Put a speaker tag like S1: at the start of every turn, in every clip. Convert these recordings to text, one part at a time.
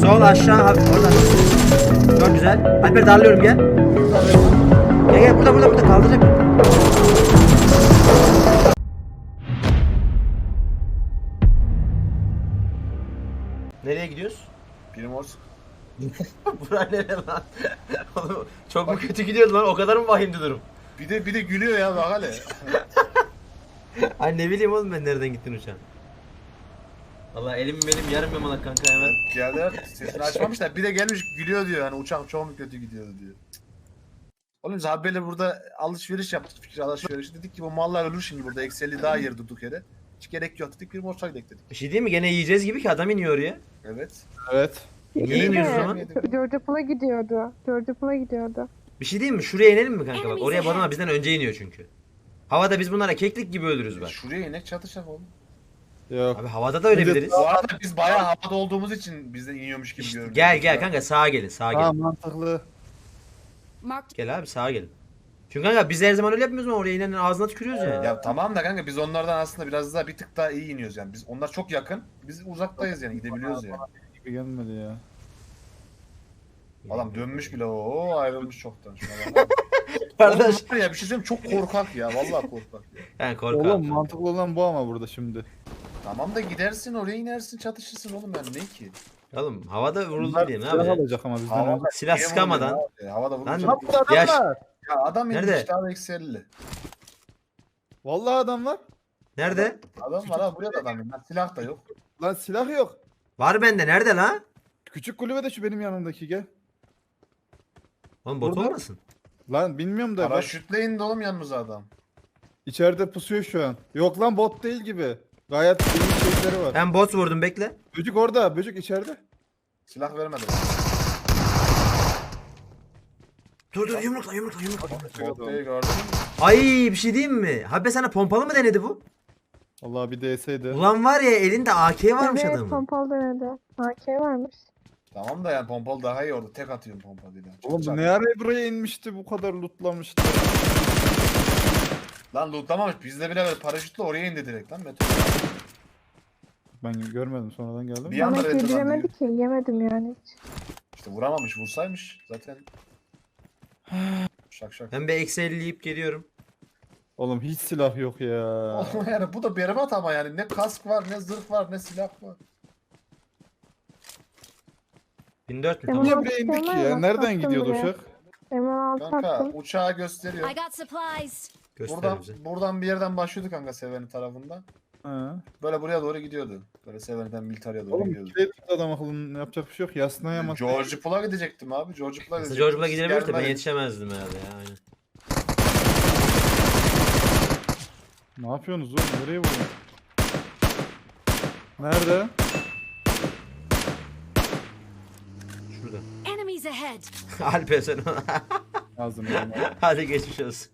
S1: Sol aşağı abi oradan. Çok güzel. Alper darlıyorum gel. Gel gel burada kaldıracak. Nereye gidiyoruz?
S2: Primorsk.
S1: Bura nere lan? Oğlum, çok mu kötü gidiyordu lan? O kadar mı vahimdi durum?
S2: Bir de gülüyor ya bak hele.
S1: Ay ne bileyim oğlum ben nereden gittin uçağın. Valla elim benim yarım yamalak kanka hemen.
S2: Geldiler sesini açmamışlar. Bir de gelmiş gülüyor diyor. Hani uçak çok mu kötü gidiyordu diyor. Oğlum biz abiyle burada alışveriş yaptık. Fikir alışverişi. Dedik ki bu mallar ölür şimdi burada. Eksi daha yer durduk yere. Hiç gerek yok dedik. Primorsk'a gidelim dedik.
S1: Bir şey değil mi? Gene yiyeceğiz gibi ki adam iniyor oraya.
S2: Evet.
S3: Evet.
S1: Niye iniyoruz o zaman?
S4: George Pool'a gidiyordu. George Pool'a gidiyordu.
S1: Bir şey değil mi? Şuraya inelim mi kanka? Bak oraya Barona bizden önce iniyor çünkü. Havada biz bunlara keklik gibi ölürüz bak.
S2: Şuraya inek çatışacak oğlum.
S3: Yok.
S1: Abi havada da ölebiliriz.
S2: Bu arada biz bayağı havada olduğumuz için bizden iniyormuş gibi görünüyor.
S1: Gel kanka sağa gelin sağa
S3: Tamam
S1: gelin.
S3: mantıklı.
S1: Gel abi sağa gelin. Çünkü kanka biz her zaman öyle yapmıyoruz mu? Oraya inenin ağzına tükürüyoruz yani.
S2: Ya tamam da kanka biz onlardan aslında biraz daha bir tık daha iyi iniyoruz yani. Biz onlar çok yakın. Biz uzaktayız yani gidebiliyoruz yani.
S3: Gibi gelmedi ya.
S2: Adam dönmüş bile o ayrılmış çoktan. Şuna bak.
S1: Kardeş.
S2: Oğlum ya bir şey söyleyeyim çok korkak ya vallahi korkak ya.
S1: Ben korkarım.
S3: Oğlum mantıklı olan bu ama burada şimdi.
S2: Tamam da gidersin oraya inersin çatışırsın oğlum yani ne ki?
S1: Oğlum havada vuruldu
S3: Bunlar
S1: diye ne
S3: silah
S1: yapacağız?
S3: alacak ama bizden
S2: Havada
S3: önce.
S1: Silah
S2: niye
S1: sıkamadan.
S2: vuruyor abi? Havada
S1: Lan
S2: vurunca.
S3: Lan burada adam
S1: Yaş-
S3: var.
S2: Ya adam
S1: Nerede?
S2: inmiş abi eksi 50.
S3: Vallahi adam var.
S1: Nerede?
S2: Adam var ha buraya da adam inmiş. Silah da yok.
S3: Lan silah yok.
S1: Var bende nerede lan?
S3: Küçük kulübe de şu benim yanımdaki gel.
S1: Oğlum bot
S3: Burada.
S1: olmasın?
S3: Lan bilmiyorum da bak.
S2: Paraşütle indi oğlum yanımıza adam.
S3: İçeride pusuyor şu an. Yok lan bot değil gibi. Gayet iyi şeyleri var.
S1: Ben bot vurdum bekle.
S3: Böcük orada. Böcük içeride.
S2: Silah vermedi.
S1: Dur yumrukla.
S2: Voltayı gördün mü?
S1: Ay bir şey diyeyim mi? Abi sana pompalı mı denedi bu?
S3: Allah bir DS'ydi.
S1: Ulan var ya elinde AK varmış
S4: Evet,
S1: adamın.
S4: pompalı denedi. AK varmış.
S2: Tamam da yani pompalı daha iyi orada. Tek atıyorum pompalıyla. Çok
S3: Oğlum bu
S2: çarpıcı.
S3: ne ara buraya inmişti bu kadar lootlamıştı.
S2: Lan lootlamamış. Bizde bile böyle paraşütle oraya indi direkt lan. Meteor.
S3: Ben görmedim sonradan geldim.
S2: Bir
S4: Ama
S2: anda renderlandı
S4: yediremedi
S2: diyor.
S4: ki. Yemedim yani hiç.
S2: İşte vuramamış. Vursaymış zaten. Şak şak.
S1: Ben bir eksi 50 yiyip geliyorum.
S3: Oğlum hiç silah yok ya.
S2: Oğlum yani bu da berbat ama yani ne kask var ne zırh var ne silah var.
S1: 1400
S4: Tamam.
S3: Niye
S1: tamam.
S3: buraya indik
S4: Tamam,
S3: ya?
S4: bak,
S3: Nereden
S4: baktım
S3: gidiyordu
S4: buraya.
S3: uçak?
S4: M16
S2: Kanka
S4: attım.
S2: uçağı gösteriyor.
S5: I got supplies.
S1: Göster bize.
S2: Buradan bir yerden başlıyordu kanka Seven'i tarafından.
S3: Ha.
S2: Böyle buraya doğru gidiyordu. Böyle Seven'den Militarya'ya doğru
S3: Oğlum
S2: gidiyordu.
S3: kilit adam akıllının yapacak bir şey yok. Yasnaya mı?
S2: George Pool'a gidecektim abi. George Pool'a
S1: Aslında
S2: gidecektim.
S1: George Bull'a
S2: Siz
S1: gidebiliriz de ben
S2: gelmediniz.
S1: yetişemezdim herhalde ya aynen.
S3: Ne yapıyorsunuz oğlum? Nereye vuruyorsun? Nerede?
S1: Şurada.
S5: Enemies ahead.
S1: Alper sen
S3: Ağzını
S1: Hadi geçmiş olsun.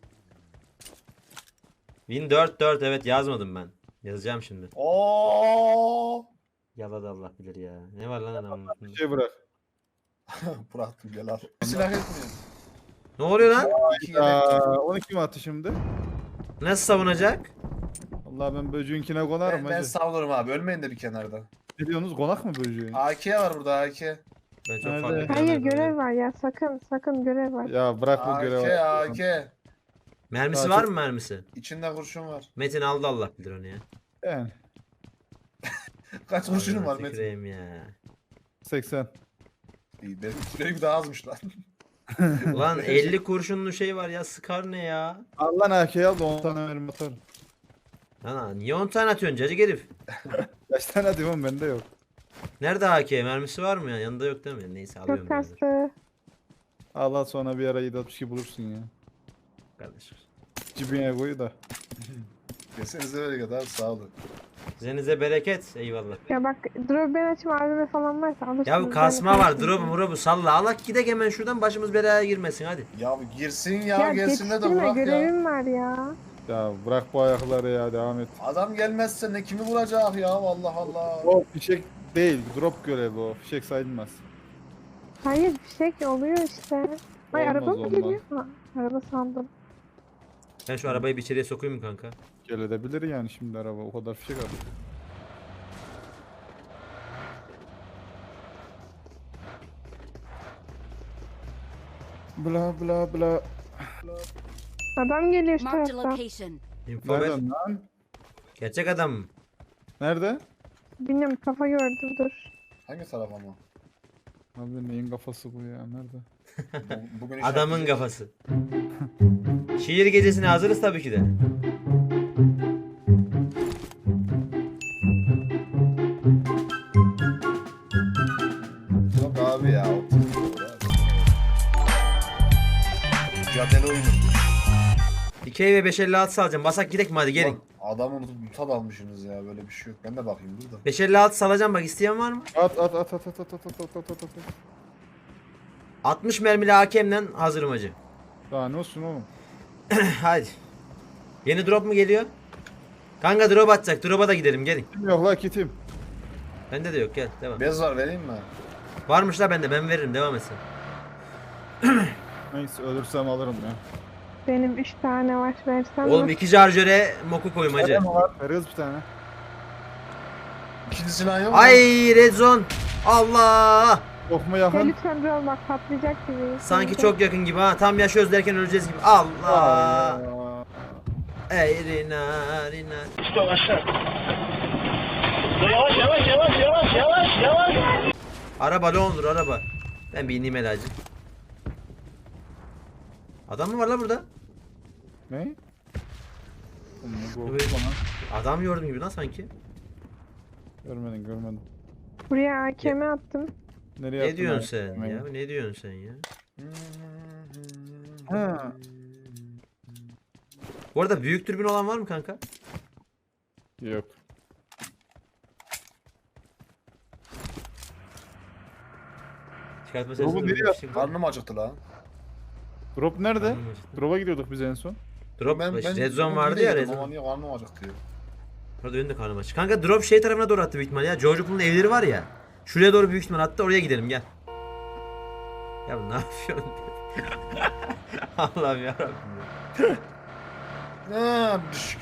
S1: Win 4 evet yazmadım ben. Yazacağım şimdi.
S2: Oo!
S1: Yaladı Allah bilir ya. Ne var lan adamın?
S3: Bir şey bırak.
S2: Bıraktım gel al. Bir silah etmiyor.
S1: Ne oluyor lan?
S2: İki yelek.
S3: Aa, 12 mi attı şimdi?
S1: Nasıl savunacak?
S3: Allah ben böcüğünkine konarım
S2: Ben
S3: hacı.
S2: savunurum abi. Ölmeyin de bir kenarda.
S3: Ne diyorsunuz? Konak mı böcüğün?
S2: AK var burada AK.
S1: Ben çok
S3: Nerede?
S1: farklı
S4: Hayır
S1: planlarım
S4: görev
S1: var.
S4: var ya. Sakın görev var.
S3: Ya bırak bu
S2: AK
S3: görevi.
S2: AK.
S1: Mermisi
S3: Daha
S1: var
S3: çok-
S1: mı mermisi?
S2: İçinde kurşun var.
S1: Metin aldı Allah bilir onu ya.
S3: Yani
S2: Kaç kurşunun var
S1: Ağzına
S2: Metin?
S1: tüküreyim ya.
S3: 80.
S2: İyi benim daha azmış lan.
S1: Ulan 50 kurşunlu şey var ya sıkar ne ya?
S3: Allah AK'yi al da 10 tane mermi atarım.
S1: Lan niye 10 tane atıyorsun cacık herif?
S3: Kaç tane diyorum bende yok.
S1: Nerede AK? Mermisi var mı ya? Yanında yok değil mi? Neyse alıyorum
S4: Çok
S1: ben de.
S4: kastı.
S3: Allah sonra bir ara 762 bulursun ya.
S1: Kardeşim.
S3: Cibine koy da.
S2: Kesenize böyle kadar sağ olun.
S1: Üzerinize bereket. Eyvallah.
S4: Ya bak drop ben açma AVM falan varsa alırsınız.
S1: Ya bu kasma var. Drop'u salla. Alak gidek hemen şuradan başımız belaya girmesin hadi.
S2: Ya girsin ya,
S4: Ya
S2: gelsin de
S4: yetiştirme
S2: bırak ya.
S4: görevim var ya.
S3: Ya bırak bu ayakları ya devam et.
S2: Adam gelmezse ne kimi vuracak ya Allah Allah.
S3: O fişek değil drop görevi o. Fişek sayılmaz.
S4: Hayır fişek oluyor işte. Ay
S3: Olmaz,
S4: araba mı
S3: olmaz.
S4: geliyor? Ha, araba sandım.
S1: Ben şu arabayı bir içeriye sokayım mı kanka?
S3: Gel edebilir yani şimdi araba o kadar fişek aldı. Bla bla bla.
S4: Adam geliyor şu
S5: Marked a
S4: taraftan.
S5: location.
S1: Info ver.
S3: Nereden lan?
S1: Gerçek adam mı?
S3: Nerede?
S4: Bilmiyorum, kafa gördüm, dur.
S2: Hangi taraf ama?
S3: Abi neyin kafası bu ya? Nerede?
S2: Bugün
S1: Adamın
S2: işaretleyeceğiz.
S1: kafası. Şiir gecesine hazırız tabii ki de.
S2: Yok abi ya. o Mücadele oyunu.
S1: 2'ye ve 556 salacağım. Basak gidek mi hadi gelin.
S2: Ulan adamı unutup mutat almışsınız ya, böyle bir şey yok. Ben de bakayım dur da.
S1: 556 salacağım, bak isteyen var mı?
S3: At at at at at at at at at at at.
S1: 60 mermili hakemle hazırım hacı.
S3: Daha ne olsun oğlum?
S1: Hadi. Yeni drop mu geliyor? Kanka drop atacak. Drop'a da gidelim gelin.
S3: Kim yok la kitim.
S1: Bende de yok, gel devam.
S2: Bez var, vereyim mi?
S1: Varmış la bende, ben veririm, devam etsin.
S3: Neyse ölürsem alırım ya.
S4: Benim 3 tane var, versem
S1: Oğlum
S4: mi?
S1: 2 charger'e moku koyayım hacı.
S3: Nerede mi var? Veriyoruz bir tane.
S2: İkinci silah yok mu?
S1: Ay red zone. Allah.
S3: Yok mu
S4: Ya
S3: yakın?
S4: lütfen dur ol, bak patlayacak gibi.
S1: Sanki çok yakın gibi ha. Tam yaşıyoruz derken öleceğiz gibi. Allah.
S3: Aa.
S1: Ey rina rina. Araba ne olur araba. Ben bir ineyim helacı. Adam mı var la burada?
S3: Ne? Oğlum bu
S1: Evet.
S3: bana.
S1: Adam gördüm gibi lan sanki.
S3: Görmedin görmedin.
S4: Buraya AKM attım.
S3: Nereye
S1: Ne
S3: attın
S1: diyorsun
S3: abi?
S1: sen ya? Ne diyorsun sen ya?
S3: Ha.
S1: Bu arada büyük türbin olan var mı kanka?
S3: Yok.
S1: Çıkartma
S3: Oğlum,
S1: sesini.
S3: nereye
S1: Şey-
S2: Karnım acıktı lan.
S3: Drop nerede?
S1: Karnım acıktı.
S3: Drop'a gidiyorduk biz en son.
S1: Drop red zone vardı ya red
S2: Ama
S1: zone.
S2: niye karnım acıktı ya?
S1: Orada benim de karnım aç. Kanka drop şey tarafına doğru attı büyük ihtimal ya. George Pool'un evleri var ya. Şuraya doğru büyük ihtimal attı, oraya gidelim gel. Ya ne yapıyorsun? Allah'ım yarabbim ya.
S2: Düşük.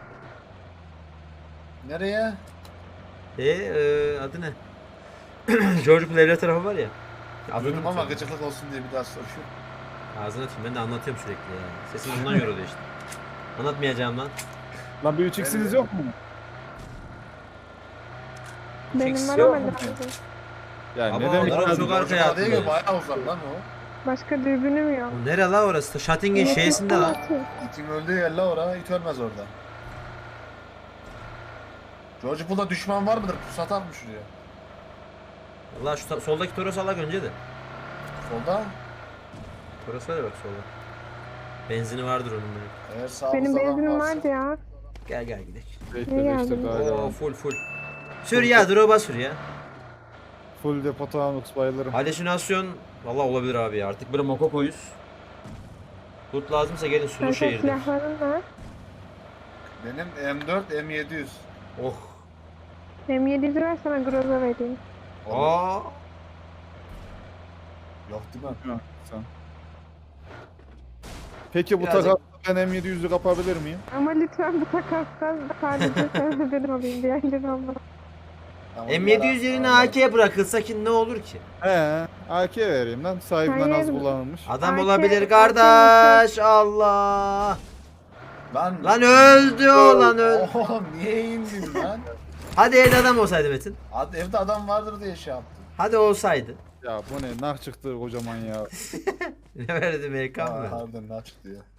S2: Nereye?
S1: Adı ne? George Pool evleri tarafı var ya. Adını
S2: Duydum ama
S1: unutuyorum.
S2: gıcıklık olsun diye bir daha soruyorum.
S1: Ağzını atayım, ben de anlatıyorum sürekli ya. Sesim bundan yoruluyor işte. Anlatmayacağım lan.
S3: Lan bir 3x'iniz yok mu?
S4: Benim
S1: Fix
S4: var
S1: yok
S4: ama
S3: mu?
S4: lazım.
S3: Ya
S1: Ama
S3: ne demek
S1: onlar
S3: lazım?
S1: çok arkaya
S2: Değil
S1: attılar.
S2: mi? Bayağı uzak lan o.
S4: Başka dürbünüm yok.
S1: O nere la orası? Şatting'in şeysinde la.
S2: İtin öldüğü yer la oraya, it ölmez orada. George Pool'da düşman var mıdır? Pusat atmış şuraya.
S1: Allah şu soldaki Toros alak önce de.
S2: Solda.
S1: Toros var ya bak solda. Benzini vardır onun böyle.
S2: Eğer sağımızda
S4: Benim
S2: adam
S4: benzinim
S2: varsa-
S4: vardı ya.
S1: Gel gel gidelim.
S3: Bekle
S4: Ne
S3: bekle
S4: geldin?
S3: daha
S1: Oo
S3: devam.
S1: full. Sür ya, drop'a sür ya.
S3: Full depo Taunus bayılırım.
S1: Halüsinasyon valla olabilir abi ya. Artık böyle moko koyuz. Loot lazımsa gelin sulu
S4: Kanka
S1: şehirde.
S4: silahların var.
S2: Benim M4 M700.
S1: Oh.
S4: M700 ver, sana Groza vereyim.
S1: Aa.
S2: Yok değil mi?
S3: Ha, sen. Peki bu
S1: Birazcık-
S3: takasla ben M700'ü kapabilir miyim?
S4: Ama lütfen bu takastan sadece sen benim olayım, diğerleri olmaz.
S2: Tamam,
S1: M700 yerine
S2: ara-
S1: AK'ye bırakılsa ki ne olur ki?
S3: He, AK vereyim lan. Sahibinden az
S4: Hayır.
S3: kullanılmış.
S1: Adam
S4: AK
S1: olabilir kardeş. Allah.
S2: Lan.
S1: Lan öldü o lan öldü.
S2: Oğlum niye indin lan?
S1: Hadi evde adam olsaydı Metin.
S2: Evde adam vardır diye şey yaptım.
S1: Hadi olsaydı.
S3: Ya bu ne? Nah çıktı kocaman ya.
S1: Ne verdi Amerikan mı?
S2: Harbiden ne çıktı ya.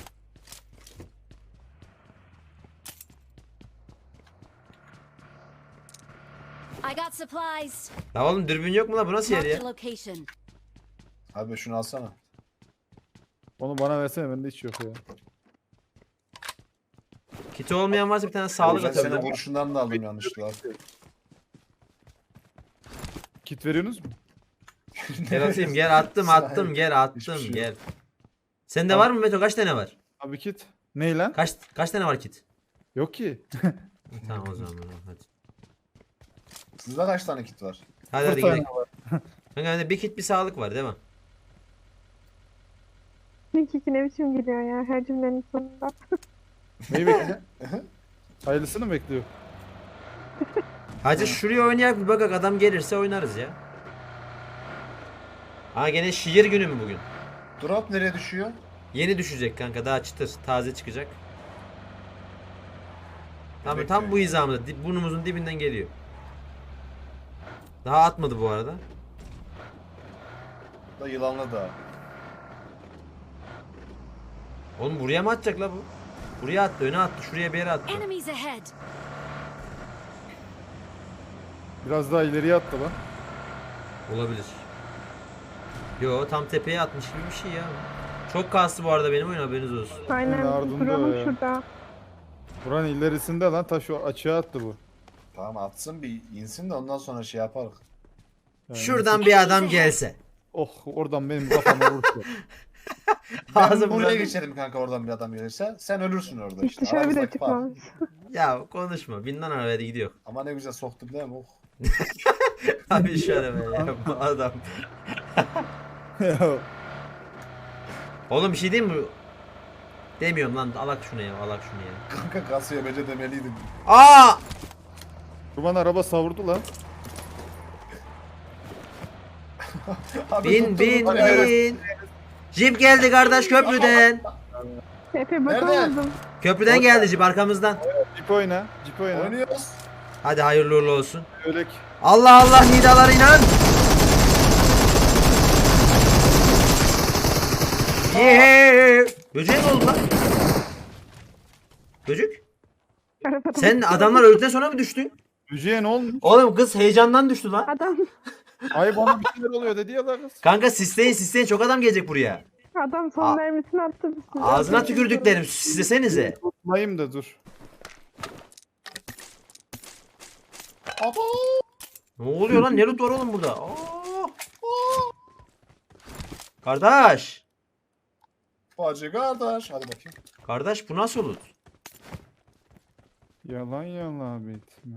S5: I got supplies.
S1: La oğlum dürbün yok mu la, bu nasıl yer
S5: Marked
S1: ya?
S5: a location.
S2: Abi şunu alsana.
S3: Onu bana versene, bende hiç yok ya.
S1: Kiti olmayan varsa bir tane sağlık
S2: Ben senin
S1: atabilirim.
S2: kurşundan da aldım yanlışlıkla.
S3: Kit veriyorsunuz mu?
S1: Gel atayım, gel attım
S2: Hiçbir
S1: gel
S2: şey yok.
S1: gel. Sende var mı Meto, kaç tane var?
S3: Abi kit. Ney lan?
S1: Kaç tane var kit?
S3: Yok ki.
S1: Tamam o zaman hadi.
S2: Sizde kaç tane kit var?
S1: Hadi
S3: Bir tane
S1: gidelim.
S3: var.
S1: Kanka bende bir kit bir sağlık var değil mi?
S4: İlk ne biçim gidiyor ya her cümlenin sonunda.
S3: Neyi bekliyor? Hayırlısını mı bekliyor?
S1: Hacı şuraya oynayak bir bakak, adam gelirse oynarız ya. Ha gene şiir günü mü bugün?
S2: Drop nereye düşüyor?
S1: Yeni düşecek kanka, daha çıtır taze çıkacak. Tam
S2: Bekliyor
S1: bu
S2: ya.
S1: hizamda burnumuzun dibinden geliyor. Daha atmadı bu arada.
S2: Da yılanlı da.
S1: Oğlum buraya mı atacak la bu? Buraya attı, öne attı, şuraya bir yere attı.
S5: Enemies ahead.
S3: Biraz daha ileriye attı lan.
S1: Olabilir. Yo, tam tepeye atmış gibi bir şey ya. Çok kastı bu arada benim oyun, haberiniz olsun.
S4: Aynen.
S3: ardında
S4: Drone'um
S3: ya.
S4: şurada.
S3: Buranın ilerisinde lan taş o açığa attı bu.
S2: Tamam atsın bir insin de ondan sonra şey yaparız.
S3: Yani
S1: Şuradan bir adam gelse.
S3: Oh oradan benim kafama vurdu.
S2: Ben
S1: Ağzımdan-
S2: buraya geçerim kanka oradan bir adam gelirse. Sen ölürsün orada
S4: Hiç
S2: işte.
S4: dışarı bile
S2: Aramızdaki fark.
S4: çıkmamış.
S1: Ya konuşma. Binden arabaya gidiyor.
S2: Ama ne güzel soktum değil mi? Oh.
S1: Abi şu arabaya ya bu adam.
S3: Ya,
S1: Oğlum bir şey diyeyim mi? Demiyorum lan, alak şunu ya, alak şunu ya.
S2: Kanka kasaya bence demeliydin.
S1: Aa!
S3: Kurban araba savurdu lan.
S2: Abi
S1: Bin
S2: tuttum,
S1: bin
S2: hadi evet.
S1: bin. Jip geldi kardeş köprüden.
S4: Efe
S2: Nerede?
S4: bakamadım.
S1: Köprüden geldi jip, arkamızdan.
S3: Cip oyna. Cip oyna.
S2: Oynuyoruz.
S1: Hadi hayırlı uğurlu olsun.
S3: Ölek.
S1: Allah Allah, nidalar inan. Yeee. Böceğe ne oldu lan? Böcük?
S4: Arabada
S1: Sen adamlar öldükten sonra mı düştün?
S3: Cüceye ne olmuş?
S1: Oğlum kız heyecandan düştü lan.
S4: Adam
S3: Ay bana bir şeyler oluyor dedi ya lan kız.
S1: Kanka sisleyin, çok adam gelecek buraya.
S4: adam
S1: Aa.
S4: son mermisini attı üstüne.
S1: Ağzına tükürdüklerim, sislesenize.
S3: Tutmayayım da dur.
S2: Abo.
S1: Ne oluyor lan? Ne loot var oğlum burada? Aa! Kardeş.
S2: Bacı kardeş. Hadi bakayım.
S1: Kardeş bu nasıl loot?
S3: Yalan yalan bitme.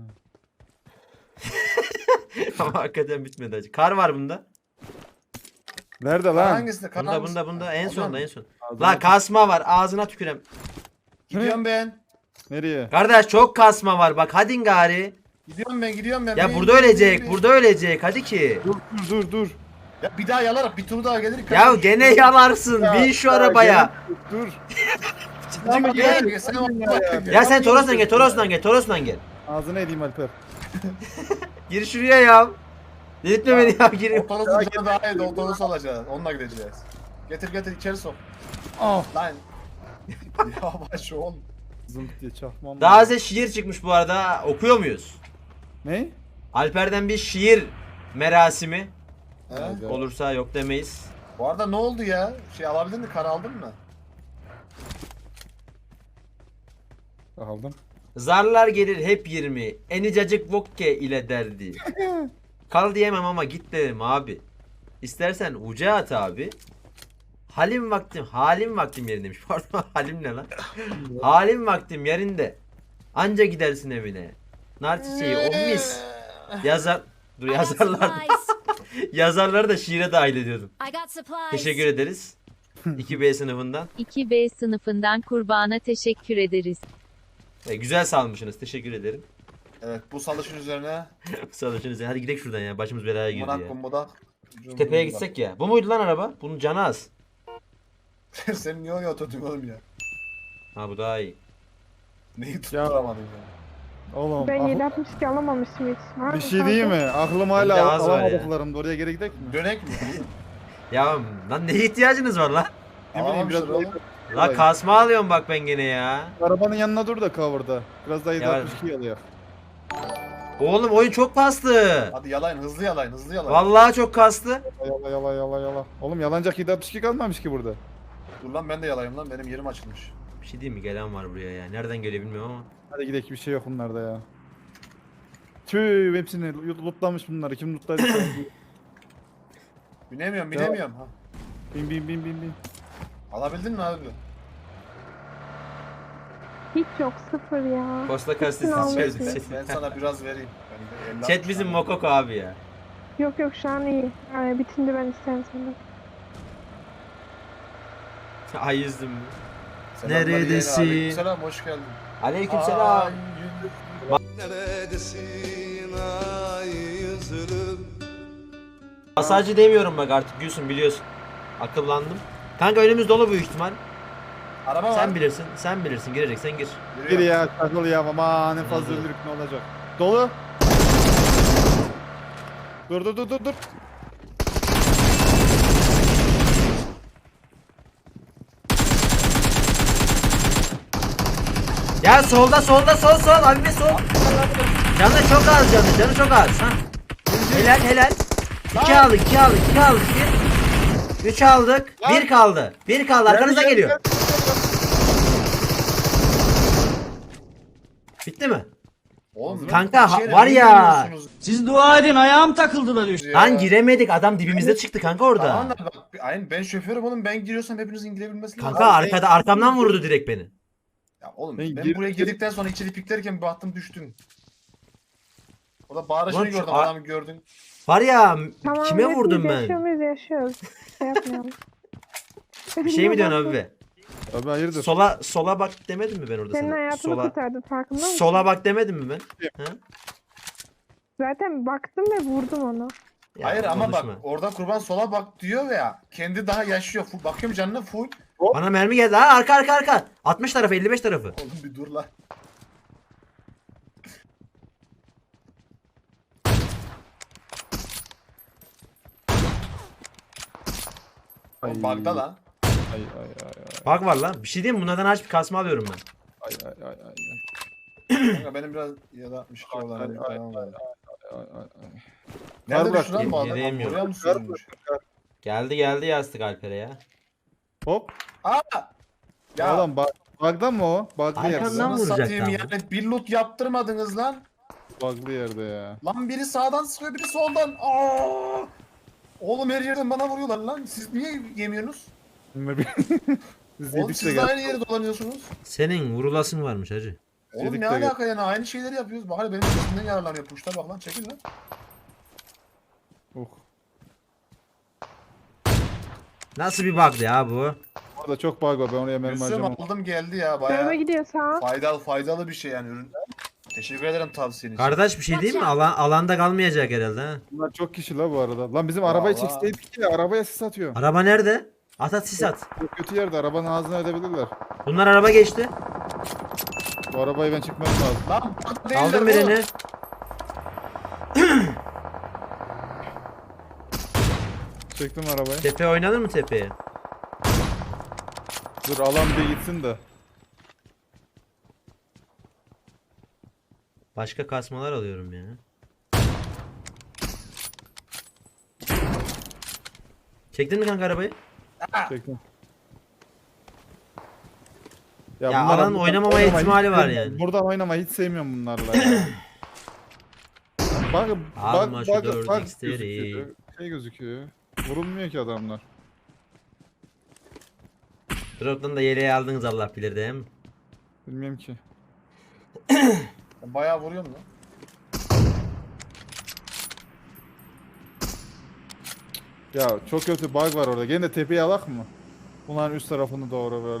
S1: Ama hakikaten bitmedi acı. Kar var bunda.
S3: Nerede lan?
S2: Hangisinde?
S1: Bunda en sonda en son.
S3: Ağzına-
S1: La kasma var, ağzına tükürem.
S2: Gidiyorum ben.
S3: Nereye?
S1: Kardeş çok kasma var, bak hadi gari.
S2: Gidiyorum ben.
S1: Ya
S2: Bin,
S1: burada
S2: bin,
S1: ölecek,
S2: bin.
S1: burada ölecek hadi ki.
S3: Dur.
S2: Ya bir daha yalarak bir tur daha gelir.
S1: Ya gene yalarsın, bin şu arabaya.
S3: Dur.
S2: Ama
S1: gel.
S2: gel. Sen o-
S1: Ya sen Toros'tan gel.
S3: Ağzına edeyim Alper.
S1: Gir şuraya ya. Delirtme beni ya, gir.
S2: Otobüsün canı daha iyi. Otobüs alacağız. Onunla gideceğiz. Getir içeri sok.
S3: Ah.
S2: Lan. Yavaş ol.
S3: Zımt diye çakmam.
S1: Daha size şiir çıkmış bu arada, okuyor muyuz?
S3: Ne?
S1: Alper'den bir şiir merasimi
S2: He?
S1: olursa yok demeyiz.
S2: Bu arada ne oldu ya? Şey alabildin mi? Kar aldın mı?
S3: Aldım.
S1: Zarlar gelir hep 20, enicacık vokke ile derdi. Kal diyemem ama git derim abi. İstersen uca at abi. Halim vaktim yerindeymiş. Pardon, halim ne lan? Halim vaktim yerinde. Anca gidersin evine. Nar çiçeği o mis. Yazar
S5: I got
S1: yazarlar.
S5: supplies.
S1: Yazarları da şiire dahil ediyordum.
S5: I got supplies.
S1: Teşekkür ederiz. 2B sınıfından.
S6: 2B sınıfından kurbana teşekkür ederiz.
S1: Güzel salmışsınız. Teşekkür ederim.
S2: Evet bu salışın üzerine
S1: Salışınız. Hadi gidelim şuradan ya. Başımız belaya girdi
S2: munak
S1: ya.
S2: kumbudak.
S1: Tepeye gitsek ya. Bu muydu lan araba? Bunun canı az.
S2: Sen niye oraya oturdun oğlum ya?
S1: Ha bu daha iyi.
S2: Neyi tutturamadın ya?
S3: Oğlum.
S4: Ben
S3: ah-
S4: 762 alamamıştım hiç. Var
S3: bir
S4: mı
S3: şey
S4: kaldı?
S3: değil mi? Aklım
S1: Bende
S3: hala
S1: az var ya.
S3: alamadıklarımda. Oraya geri gidelim mi?
S2: Dönek mi?
S1: Ya lan neye ihtiyacınız var lan?
S3: Ne bileyim biraz
S2: Alamamışlar
S3: daha
S1: La kasma alıyorum bak ben gene ya.
S3: Arabanın yanına dur da cover'da. Biraz daha
S1: Ya-
S3: 762 alıyor.
S1: Oğlum oyun çok kastı.
S2: Hadi yalayın hızlı yalayın.
S1: Vallahi çok kastı.
S3: Yala. Oğlum yalanacak 762 kalmamış ki burada.
S2: Dur lan ben de yalayayım lan benim yerim açılmış.
S1: Bir şey diyeyim mi? Gelen var buraya ya. Nereden geliyor bilmiyorum ama.
S3: Hadi gidelim, bir şey yok bunlarda ya. Tüh hepsini lootlamış bunları. Kim lootladı?
S2: Binemiyorum. Ha.
S3: bin.
S2: Alabildin mi abi?
S4: Hiç yok, sıfır ya.
S1: Posta
S4: Hepsini
S1: kastesi
S4: almışsın.
S2: Ben sana biraz vereyim. Ben de 50
S1: Chat bizim mokoko abi ya.
S4: Yok şu an iyi. Bitince ben isterim senden.
S1: Ay yüzdüm.
S2: Selamlar
S1: Neredesin?
S2: yeğeni, aleykümselam hoş geldin.
S1: Aleykümselam.
S2: Ay, yüzüm.
S7: Neredesin ay yüzlüm?
S1: Masajcı demiyorum bak artık Gülsün biliyorsun. Akıllandım. Kanka önümüz dolu büyük ihtimal.
S2: Araba var.
S1: Sen bilirsin. Sen bilirsin. Gireceksen gir.
S3: Gir ya takıl ya ama ne fazla öldürük ne olacak. Dolu. Dur.
S1: Ya solda sol. Abi bir sol. Canı çok az canı çok az. Ha. Helal. 2 aldık. 3 aldık. 1 kaldı. Arkanıza
S3: Gel,
S1: geliyor.
S3: gel.
S1: Bitti mi?
S2: Oğlum,
S1: Kanka,
S2: bir şeyler
S1: var ya.
S2: bilmiyorsunuz
S8: Siz dua edin ayağım takıldı da düştü.
S2: ya.
S1: Lan giremedik. Adam dibimizde çıktı kanka orada.
S2: Tamam da bak aynen ben şoförüm oğlum, ben giriyorsam hepinizin girebilmesi lazım.
S1: Kanka arkamdan vurdu direkt beni.
S2: Ya oğlum
S3: Ben
S2: ben buraya girdikten sonra içeri piklerken bir baktım düştün. Orada bağırışını
S1: Ulan şu
S2: gördüm, adamı gördün.
S1: Var ya
S4: Tamam,
S1: kime
S4: hepimiz
S1: vurdum
S4: Yaşıyor
S1: ben?
S4: muyuz? Yaşıyoruz. Şey yapmayalım.
S1: Bir şey mi diyorsun abi be?
S3: Abi hayırdır?
S1: Sola bak demedim mi ben orada
S4: Senin
S1: sana?
S4: hayatını kurtardı, farkında mısın?
S1: Sola bak demedim mi ben? Ha?
S4: Zaten baktım ve vurdum onu.
S1: Ya
S2: Hayır ama bak
S1: konuşma.
S2: orada kurban sola bak diyor ya, kendi daha yaşıyor. Bakıyorum canına full.
S1: Bana mermi geldi. Ha arka. 60 tarafı 55 tarafı.
S2: Oğlum bir dur lan. Oğlum bug'da lan.
S3: Ay.
S1: Bak var lan. Bir şey diyeyim mi? Bunlardan aç bir kasma alıyorum ben.
S3: Ay.
S2: Kanka benim biraz ya da 62 olan
S3: Ay,
S2: bir
S3: ay,
S2: falan var.
S3: Ay.
S2: Nerede
S3: Kar
S2: düştü lan bu adam?
S1: Giremiyorum.
S2: Buraya mı sürülmüş?
S1: Geldi yastık Alper'e ya.
S3: Hop.
S2: Aa! Ya
S3: Oğlum bug'dan mı o? Bug'lı
S1: Arkandan
S3: yerde.
S1: mı?
S2: nasıl
S1: vuracak
S2: satayım
S1: lan
S2: yani, bir loot yaptırmadınız lan.
S3: Bug'lı yerde ya.
S2: Lan biri sağdan sıkıyor, biri soldan. Aa! Oğlum her yerden bana vuruyorlar lan. Siz niye yemiyorsunuz?
S3: Biz
S2: Oğlum
S3: yedik de
S2: siz de
S3: gel.
S2: aynı yere dolanıyorsunuz.
S1: Senin vurulasın varmış hacı.
S2: Oğlum
S3: Yedik
S2: ne
S3: de
S2: alaka yani, aynı şeyleri yapıyoruz. Bak hadi benim sesimden yararlanıyor. Puşta bak lan, çekil lan.
S1: Nasıl bir bug'dı ya bu?
S3: Orada çok bug var ben oraya mermi
S2: Gülsüm
S3: harcamam.
S2: aldım geldi ya,
S4: Dövme
S2: bayağı
S4: gidiyor sağa.
S2: faydalı bir şey yani ürün. Teşekkür ederim tavsiyen için.
S1: Kardeş bir şey değil mi? Alanda kalmayacak herhalde ha.
S3: Bunlar çok kişi la bu arada. Lan bizim arabayı
S2: Vallahi.
S3: çekseydik ya arabaya sis atıyor.
S1: Araba nerede? At sis at.
S3: Çok kötü yerde arabanın ağzına edebilirler.
S1: Bunlar araba geçti.
S3: Bu arabayı ben çekmem lazım.
S2: Lan bak değiller
S1: Aldım
S2: oğlum.
S1: birini.
S3: Çektim arabayı.
S1: Tepe oynanır mı tepeye?
S3: Dur alan bir gitsin de.
S1: Başka kasmalar alıyorum ya. Çektin mi kanka arabayı?
S3: Çektim.
S1: Ya
S3: bunlar-
S1: alan oynamama
S3: oynamayı
S1: ihtimali
S3: hiç
S1: var
S3: sevmiyorum.
S1: yani.
S3: Buradan oynamayı hiç sevmiyorum bunlarla ya. Bak
S1: Alma şu 4
S3: bak
S1: x'leri.
S3: gözüküyor. Şey gözüküyor. Vurulmuyor ki adamlar.
S1: Drop'tan da yeleği aldınız Allah bilir değil mi?
S3: Bilmiyorum ki.
S2: Ben bayağı vuruyorum lan.
S3: Ya çok kötü bug var orada. Gene de tepeyi alak mı? Bunların üst tarafını doğru böyle.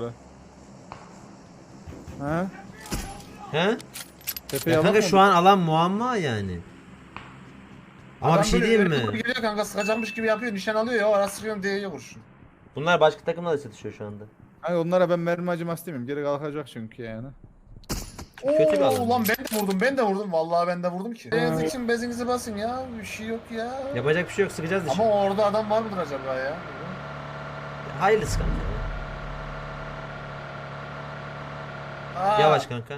S3: He?
S1: He?
S3: Tepeyi
S1: Ya
S3: alak
S1: kanka
S3: mı?
S1: şu an alan muamma yani. Ama
S2: Adam
S1: bir şey
S2: böyle
S1: diyeyim
S2: öyle
S1: mi?
S2: Geliyor kanka, sıkacakmış gibi yapıyor, nişan alıyor ya, ara sıkıyorum diye kurşun.
S1: Bunlar başka takımla da çatışıyor şu anda.
S3: Hani onlara ben mermi acıması demeyeyim. Geri kalkacak çünkü yani.
S1: Kötü bir alan.
S2: Ulan ben de vurdum. Vallahi ben de vurdum ki. Beyaz için bezinizi basın ya. Bir şey yok ya.
S1: Yapacak bir şey yok, sıkacağız dışı.
S2: Ama orada adam var mıdır acaba ya?
S1: Hayırlısı kanka.
S2: Aa,
S1: Yavaş kanka.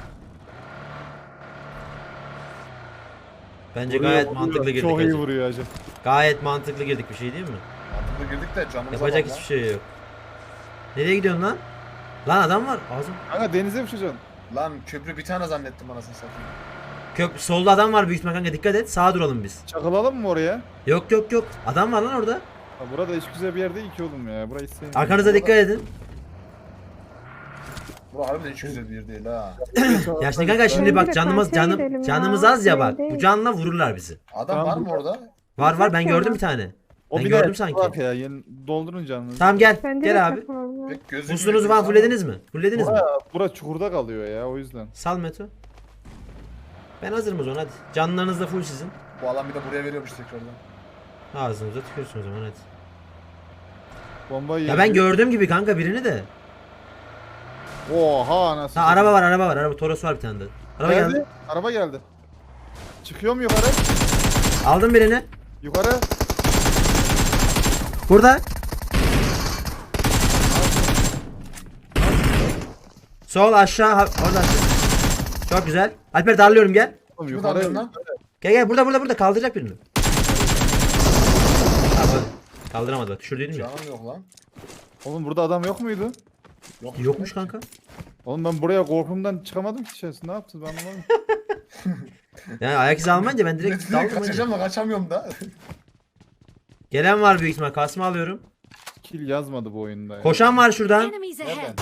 S1: Bence
S3: Vuruyor,
S1: gayet
S3: vuruyor.
S1: mantıklı girdik.
S3: Çok iyi
S1: hacı.
S3: vuruyor hacı.
S1: Gayet mantıklı girdik, bir şey değil mi?
S2: Mantıklı girdik de canımıza
S1: Yapacak
S2: bak
S1: hiçbir şey yok. Nereye gidiyorsun lan? Lan adam var. Ağzım.
S3: Kanka denize uçacaksın.
S2: Lan köprü bir tane zannettim anasını satayım.
S1: Solda adam var büyük ihtimal kanka, dikkat et. Sağa duralım biz.
S3: Çakılalım mı oraya?
S1: Yok. Adam var lan orada.
S3: Ha, burada hiç güzel bir yer değil ki oğlum ya. Burayı hiç sevmiyorum.
S1: Arkanıza dikkat edin.
S2: Bu harbiden hiç güzel bir yer değil ha.
S1: Ya şimdi kanka şimdi bak
S4: Bence de karşıya gidelim ya.
S1: canımız az ya bak.
S4: Değil.
S1: Bu canla vururlar bizi.
S2: Adam
S3: Tamam,
S2: var mı
S3: bu-
S2: orada?
S1: Var ben
S4: Yok
S1: gördüm
S4: ya.
S1: bir tane.
S3: O
S1: Ben
S3: bir
S1: gördüm
S3: de
S1: sanki.
S3: bak ya yeni doldurun canınızı.
S1: Tamam gel.
S4: Bence de
S1: Gel abi.
S4: takılmam.
S2: Pek gözükmüyor.
S1: Musluğunuzu falan fullediniz mi? Fullediniz mi?
S3: Bura çukurda kalıyor ya o yüzden.
S1: Sal Meto. Ben hazırım o zaman hadi. Canlarınız da full sizin.
S2: Bu alan bir de buraya veriyormuş tekrardan.
S1: Ağzınıza tükürsün o zaman hadi.
S3: Bombayı
S1: Ya ben
S3: yedi.
S1: gördüğüm gibi kanka birini de.
S3: Oha anasını.
S1: Ha araba var araba var. Araba Toros var bir tane de. Araba geldi.
S3: Araba geldi. Çıkıyorum yukarı.
S1: Aldım birini.
S3: Yukarı.
S1: Burada. Sol aşağı orada. Çok güzel. Alper darlıyorum gel.
S3: Oğlum,
S2: Kimi
S3: yukarı.
S2: darlıyorsun lan?
S1: Gel burada kaldıracak birini. Abi, kaldıramadı bak düşürdüydüm ya.
S2: Canım yok lan.
S3: Oğlum burada adam yok muydu?
S1: Yokmuş kanka.
S3: Oğlum ben buraya korkumdan çıkamadım ki içerisinde. Ne yaptınız ben anlamadım.
S1: Yani ayak izi almayınca ben direkt
S2: Direkt
S1: daldım.
S2: kaçacağım da kaçamıyorum da.
S1: Gelen var büyük ihtimal. Kasma alıyorum.
S3: Kill yazmadı bu oyunda ya.
S1: Koşan var şuradan.
S5: Enemies
S2: Nereden?
S5: ahead.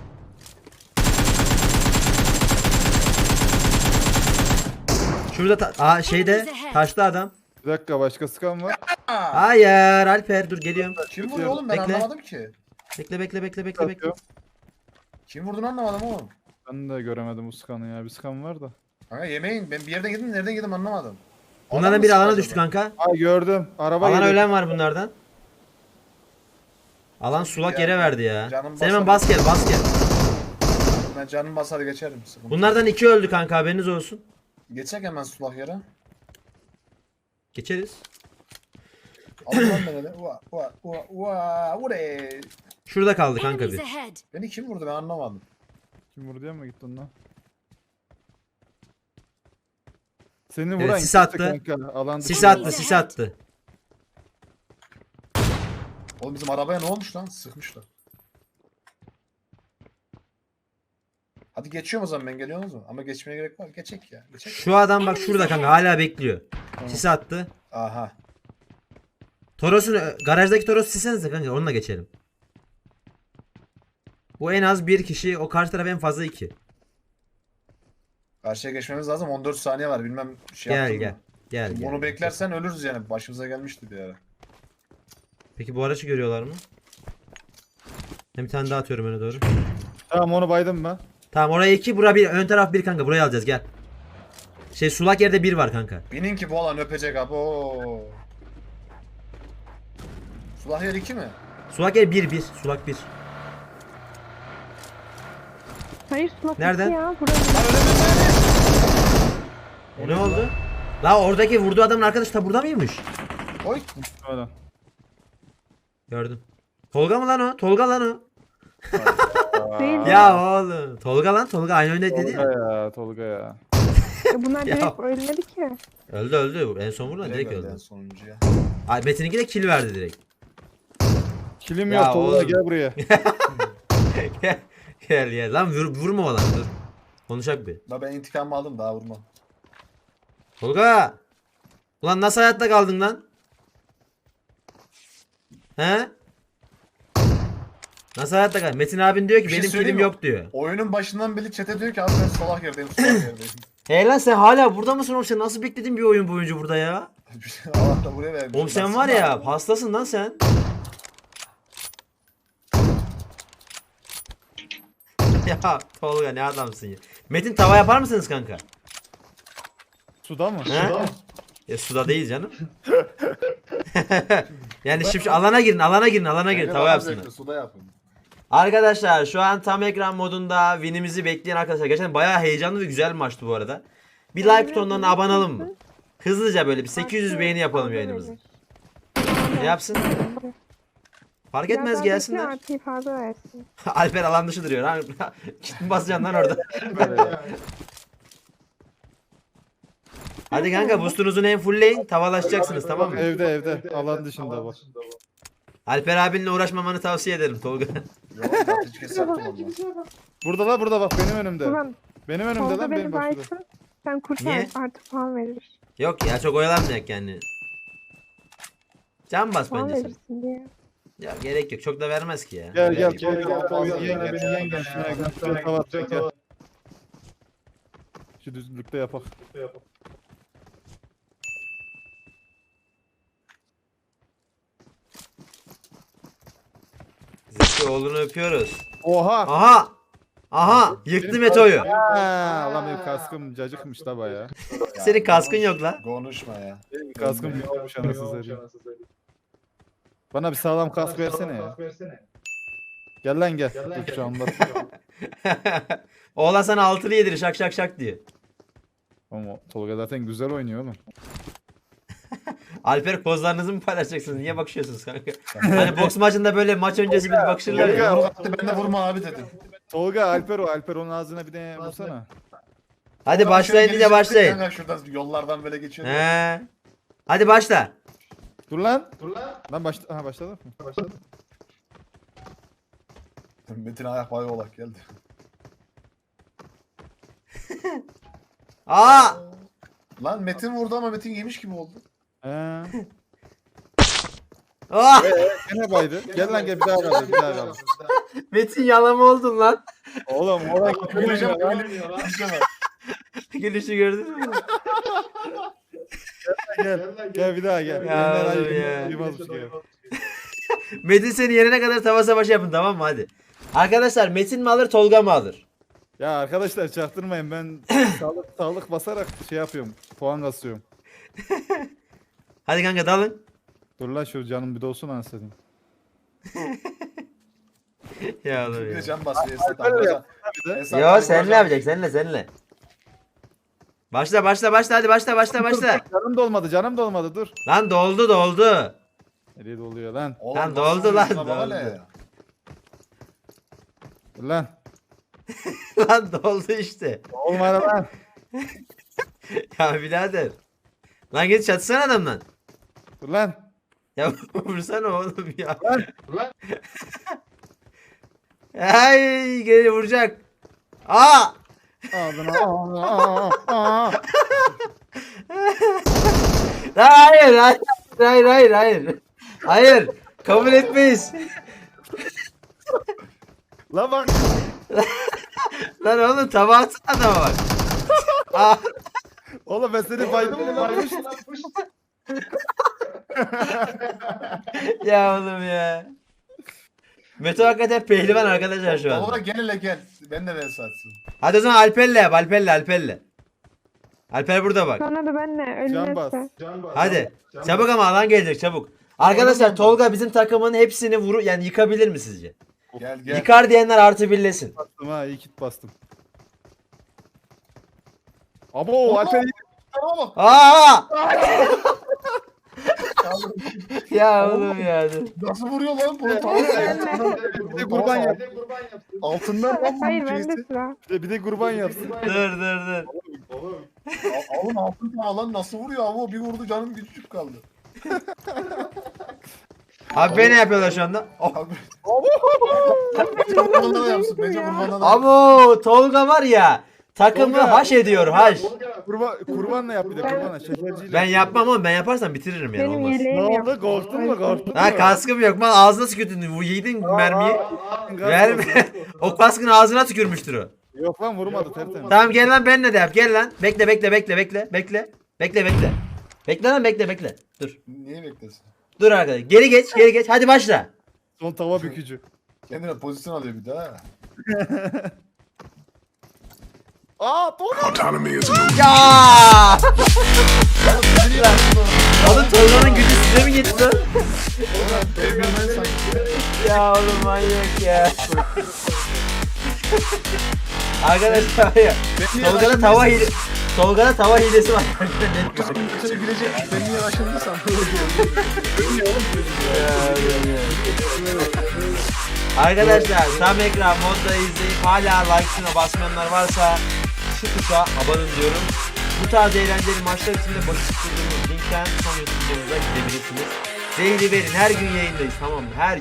S1: Şurada şeyde taşlı adam.
S3: Bir dakika başka sıkan var.
S1: Hayır Alper dur geliyorum.
S2: Kim vuruyor oğlum ben
S1: Bekle.
S2: anlamadım ki.
S1: Bekle.
S2: Kim vurduğunu anlamadım oğlum.
S3: Ben de göremedim bu sıkanı ya. Bir sıkan var da.
S2: Kanka yemeğin ben bir yerden girdim nereden girdim anlamadım.
S1: Bunlardan
S2: Adam
S1: biri
S2: mı
S1: alana
S2: sıktı
S1: düştü
S2: acaba?
S1: kanka.
S3: Aa gördüm. Araba
S1: Alana
S3: geliyor.
S1: ölen var bunlardan. Alan sulak
S2: Ya,
S1: yere verdi ya.
S2: canım
S1: Sen hemen
S2: basar.
S1: bas gel.
S2: Ben canım basar geçerim. Sıkıntı.
S1: Bunlardan 2 öldü kanka haberiniz olsun.
S2: Geçecek hemen sulak yere.
S1: Geçeriz.
S2: Alın lan beni de. Ure.
S1: Şurada kaldı kanka
S5: Enemies
S1: bir.
S5: ahead.
S2: Beni kim vurdu ben anlamadım.
S3: Kim vurdu ya mı gittin lan? Seni
S1: Evet,
S3: vuran
S1: sis
S3: kimse
S1: attı.
S3: kanka, alan
S1: Sis
S3: dışı.
S1: attı sis attı.
S2: Oğlum bizim arabaya ne olmuş lan? Sıkmışlar. Hadi geçiyorum o zaman ben geliyorsunuz mu? Ama geçmeye gerek var. Geçek ya. Geçek.
S1: Şu adam bak şurada kanka hala bekliyor. Sis attı.
S2: Aha.
S1: Toros'un garajdaki Toros sisenize kanka onunla geçelim. Bu en az bir kişi o karşı taraf en fazla 2.
S2: Karşıya geçmemiz lazım. 14 saniye var. Bilmem şey
S1: Gel
S2: yaptın
S1: gel.
S2: mı?
S1: Gel
S2: Şimdi
S1: gel.
S2: Bunu beklersen ölürüz yani. Başımıza gelmişti bir ara.
S1: Peki bu araçı görüyorlar mı? Hem bir tane daha atıyorum öne doğru.
S3: Tamam onu baydım ben.
S1: Tamam oraya 2 bura 1 ön taraf 1 kanka burayı alacağız gel. Şey sulak yerde 1 var kanka.
S2: Binin ki bu alan öpecek abi. Oo. Sulah yer 2 mi?
S1: Sulak yer 1 sulak 1.
S4: Hayır sulak
S1: Nereden?
S4: iki ya. Burası.
S2: Lan öyle mi?
S1: Ne oldu? La oradaki vurduğu adamın arkadaşı da burada mıymış?
S2: Oy.
S3: Öyle.
S1: Gördüm. Tolga mı lan o? Tolga lan o.
S4: Değil.
S1: Ya oğlum. Tolga lan Tolga aynı oyunda dedi
S3: Tolga
S1: ya.
S3: ya Tolga ya.
S4: Bunlar
S1: Ya.
S4: direkt ölmedi ki.
S1: Öldü. En son vurulan direkt
S2: Direkt
S1: öldü.
S2: en sonuncuya.
S1: Ay Metin'inki de kill verdi direkt.
S3: Kilim
S1: Ya
S3: yok Tolga
S1: oğlum.
S3: gel buraya.
S1: Gel. Lan vurma lan dur. Konuşak bir.
S2: Ben intikamımı aldım daha vurmam.
S1: Tolga. Ulan nasıl hayatta kaldın lan? He? Nasıl hayatta kaldın? Metin abin diyor ki
S2: Bir şey
S1: benim
S2: söyleyeyim
S1: kilim
S2: mi?
S1: yok diyor.
S2: Oyunun başından beri chat'e diyor ki abi ben solak yerdeyim, solak yerdeyim.
S1: Hey lan sen hala burada mısın oğlum? Sen nasıl bekledin bir oyun boyunca burada ya?
S2: Allah da buraya vermiş.
S1: Oğlum sen var ya hastasın lan sen. Ya Tolga ne adamsın ya. Metin tava yapar mısınız kanka?
S3: Suda mı?
S1: He? Ya suda değil canım. Yani şimdi alana girin tava yapsınlar.
S2: Suda yapın.
S1: Arkadaşlar şu an tam ekran modunda winimizi bekleyen arkadaşlar. Gerçekten bayağı heyecanlı ve güzel bir maçtı bu arada. Bir like butonlarına abone olalım mı? Hızlıca böyle bir 800 beğeni yapalım yayınımızı. Ne yapsın? Fark etmez gelsinler.
S4: Artıyı fazla versin.
S1: Alper alan dışı duruyor. Ha, git mi basacaksın lan orada? Hadi kanka boostunuzu en fullleyin. Tavalaşacaksınız tamam mı?
S3: Evde alan dışında bak.
S1: Alper abinle uğraşmamanı tavsiye ederim Tolga.
S2: Yok zaten hiç kes yaptım olmaz.
S3: Burada bak benim önümde.
S4: Ulan
S3: Benim önümde
S4: Tolga
S3: lan
S4: beni
S3: benim başımda.
S4: baysın. Sen kurtar
S1: Niye?
S4: artık puan verir.
S1: Yok ya çok oyalanmayacak yani. Can bas
S4: Puan
S1: bence sen.
S4: verirsin diye.
S1: Ya gerek yok. Çok da vermez ki ya.
S3: Gel
S2: Gel,
S3: beni yengen şuna kavat gel. Şu düzlükte yapak.
S1: Zeki oğlunu öpüyoruz.
S3: Oha!
S1: Aha! Yıktı Meto'yu.
S3: Ha, lan benim kaskım cacıkmış da baya.
S1: Senin kaskın yok lan.
S2: Konuşma ya.
S3: Benim kaskım yokmuş anasını satayım. Bana bir sağlam kask versene ya. Gel lan gel. Dur şu anda.
S1: Oğlan sana altılı yedirir şak şak şak diye.
S3: Ama Tolga zaten güzel oynuyor oğlum.
S1: Alper pozlarınızı mı paylaşacaksınız? Niye bakışıyorsunuz kanka? Hani boks maçında böyle maç öncesi bir bakışırlar ya.
S2: Yumruk attı, ben de vurma abi dedim.
S3: Tolga Alper o. Alper onun ağzına bir de vursana.
S1: Hadi başlayın diye başlayın.
S2: Kanka şuradan yollardan böyle geçiyor.
S1: He. Hadi başla.
S3: Dur lan. Lan başladı mı?
S2: Metin ayak bayağı olak geldi.
S1: Aa!
S2: Lan Metin vurdu ama Metin yemiş gibi oldu.
S3: He.
S1: Ah!
S3: Gene baydı. Gel lan gel bir daha kaldır. Bir daha kaldır.
S1: Metin yalama oldun lan.
S3: Oğlum oraya
S2: Güleceğim,
S3: güleceğim lan.
S2: güleceğim.
S1: Gülüşü gördün mü?
S3: Gel. Gel bir daha gel.
S1: Ya
S3: Elinden
S1: oğlum
S3: ayır,
S1: ya.
S3: duymazmış gibi.
S1: Metin seni yerine kadar tava savaşı yapın tamam mı hadi. Arkadaşlar Metin mi alır Tolga mı alır?
S3: Ya arkadaşlar çaktırmayın ben sağlık basarak şey yapıyorum. Puan kasıyorum.
S1: Hadi kanka dalın.
S3: Dur lan şu canım bir dolsun anasını.
S1: Ya oğlum
S2: Bir de
S1: ya.
S2: can basıyor Esat
S3: Alper
S2: abi.
S3: yap.
S1: Yo seninle yapacak seninle. Başla hadi başla.
S3: Canım dolmadı dur.
S1: Lan doldu.
S3: Nereye doluyor lan?
S2: Oğlum,
S1: Lan
S2: nasıl
S1: doldu lan,
S2: vuruyorsun ama
S1: doldu.
S2: ne?
S3: Dur lan.
S1: Lan doldu işte.
S3: Olmadı lan.
S1: Ya birader. Lan git çatışsana adamdan.
S3: Dur lan.
S1: Ya vursana oğlum ya.
S3: Lan.
S1: Ay geri vuracak. Aa!
S3: Ağzına. Aa.
S1: Hayır. Kabul etmeyiz.
S3: Lan bak.
S1: Lan oğlum tabağa atsana adama bak. Aa,
S3: Oğlum ben seni baydım mı lan?
S1: ya oğlum ya. Meto hakikaten pehlivan arkadaşlar şu
S2: Oğlum
S1: an.
S2: gel hele gel. Ben de Esat'sın.
S1: Hadi o zaman Alper'le yap Alper'le. Alper burada bak.
S4: Sonra da benle
S3: Can bas.
S4: ölmezse.
S1: Hadi. Çabuk ama alan gelecek çabuk. Arkadaşlar Tolga bizim takımın hepsini yani yıkabilir mi sizce?
S2: Gel gel.
S1: Yıkar diyenler artı birlesin.
S3: Bastım ha iyi kit bastım. Abo Alper iyi.
S2: Tamam.
S1: Aa! Ya oğlum ya.
S2: Nasıl vuruyor lan bu?
S3: Bir de kurban yap.
S2: Altından lan bu
S4: Hayır bende
S2: şeysi.
S4: sıra.
S3: Bir de kurban yapsın.
S1: Dur.
S2: Oğlum altın tava lan nasıl vuruyor ama bir vurdu canım küçücük kaldı.
S1: Abi ne yapıyorlar şu anda? Oh.
S2: Abi. Bence kurbanla da yapsın. Bence kurbanla da yapsın.
S1: Abo Tolga var ya takımı
S3: Tolga.
S1: haş ediyor haş.
S3: Kurbanla yap bir de kurbanla. Şekerciyle.
S1: Ben yapmam oğlum ben yaparsam bitiririm yani
S4: Benim
S1: olmaz.
S3: Ne
S4: yeleğim yok.
S3: oldu? Korktun mu? Korktun mu?
S1: Ha kaskım yok lan ağzına tükürdün yedin mermiyi. Verme. O kaskın ağzına tükürmüştür o.
S3: Yok lan vurmadı tertemiz.
S1: Tamam gel lan benle de yap gel lan. Bekle. Bekle lan bekle. Dur.
S2: Niye beklesin?
S1: Dur arkadaş. Geri geç. Hadi başla.
S3: Son tava bükücü.
S2: Kendine pozisyon alıyor bir daha.
S3: Aa Tolga.
S1: Ya! Oğlum Tolga'nın gücü size mi gitti lan? Ya oğlum manyak ya. Arkadaşlar var ya. Tolga'da tava hilesi var.
S2: Seni gülecek. Ben niye aşırdıysam.
S1: Arkadaşlar tam ekran modda izleyip hala like tuşuna basmayanlar varsa şu tuşa abone diyorum. Bu tarz eğlenceli maçlar için de başı tutturduğumuz linkten son YouTube videomuza gidebilirsiniz. Zehri verin her gün yayındayız tamam mı? Her